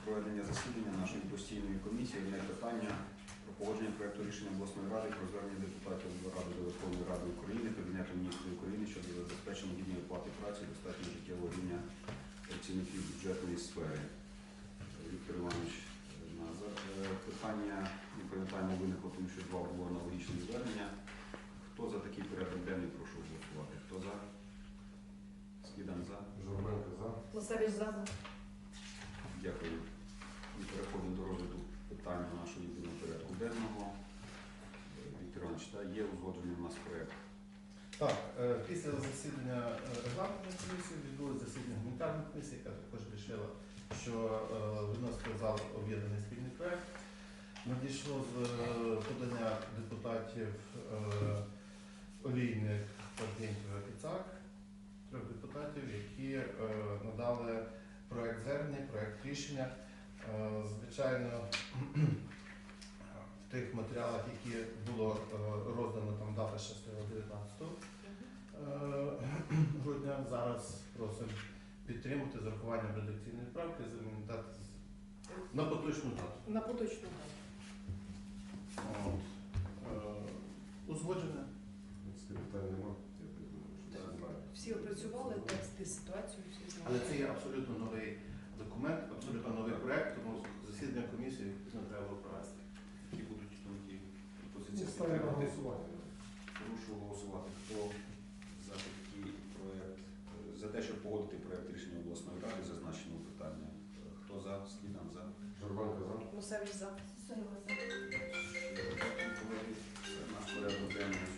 проведення засідання нашої постійної комісії одне питання про погодження проєкту рішення обласної ради про звернення депутатів Ради до Верховної Ради України, Кабінету міністрів України щодо забезпечення гідної оплати праці і достатнього життєвого рівня працівників бюджетної сфери. Віктор Іванович, питання, не пам'ятаємо, виникло, тому що два було аналогічні звернення. Хто за такий порядок денний, прошу голосувати. Хто за? Скидан за. Журменко за. Лосевич за. Дякую. І переходимо до розгляду питання нашого єдиного порядку денного. Віктор Іванович, є узгоджений у нас проєкт? Так, після засідання регламентної комісії відбулося засідання гуманітарної комісії, яка також вирішила, що виносити в зал об'єднаний спільний проєкт. Надійшло з подання депутатів Олійник, Парфєнтєва і Цак, трьох депутатів, які надали проєкт звернення, проєкт рішення. Звичайно, в тих матеріалах, які було роздано, там дата ще стояла 19 грудня. Зараз просимо підтримати з урахуванням редакційної правки, замінити дати на поточну дату. На поточну дату. Узгоджене. Питань нема. Я думаю, що Так. всі знають. Всі опрацювали тексти, ситуацію, всі Але знають. це є абсолютно новий документ, абсолютно новий проєкт, тому засідання комісії не треба було провести. Які будуть ті пропозиції? Ставлю на голосування. Прошу голосувати. Хто за такий проєкт, за те, щоб погодити проєкт рішення обласної ради, зазначеного питання? Хто за? Скидан за. Журменко за. Лосевич за. Це наш порядок денний